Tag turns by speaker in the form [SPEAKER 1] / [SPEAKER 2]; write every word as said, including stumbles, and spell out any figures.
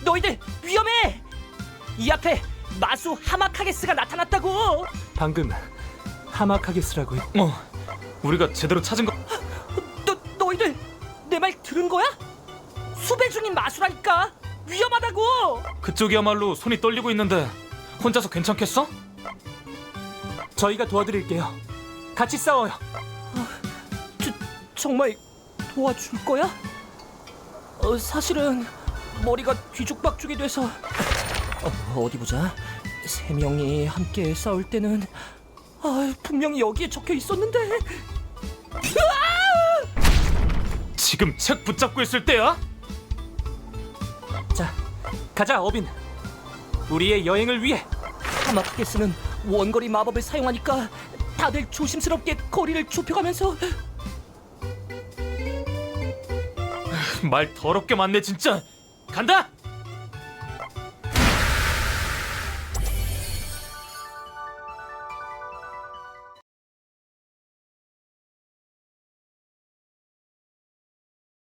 [SPEAKER 1] 너희들 위험해! 이 앞에 마수 하마카게스가 나타났다고!
[SPEAKER 2] 방금 하마카게스라고 했...
[SPEAKER 3] 어, 우리가 제대로 찾은 거.
[SPEAKER 1] 너, 너희들 내 말 들은 거야? 수배 중인 마수라니까! 위험하다고!
[SPEAKER 3] 그쪽이야말로 손이 떨리고 있는데 혼자서 괜찮겠어?
[SPEAKER 2] 저희가 도와드릴게요. 같이 싸워요.
[SPEAKER 1] 저, 정말 도와줄 거야? 어, 사실은 머리가 뒤죽박죽이 돼서 어, 어디 보자. 세 명이 함께 싸울 때는 아, 분명히 여기에 적혀 있었는데.
[SPEAKER 3] 지금 책 붙잡고 있을 때야?
[SPEAKER 2] 자, 가자 어빈. 우리의 여행을 위해.
[SPEAKER 1] 하마카게스는 원거리 마법을 사용하니까 다들 조심스럽게 거리를 좁혀가면서.
[SPEAKER 3] 말 더럽게 많네 진짜. 간다.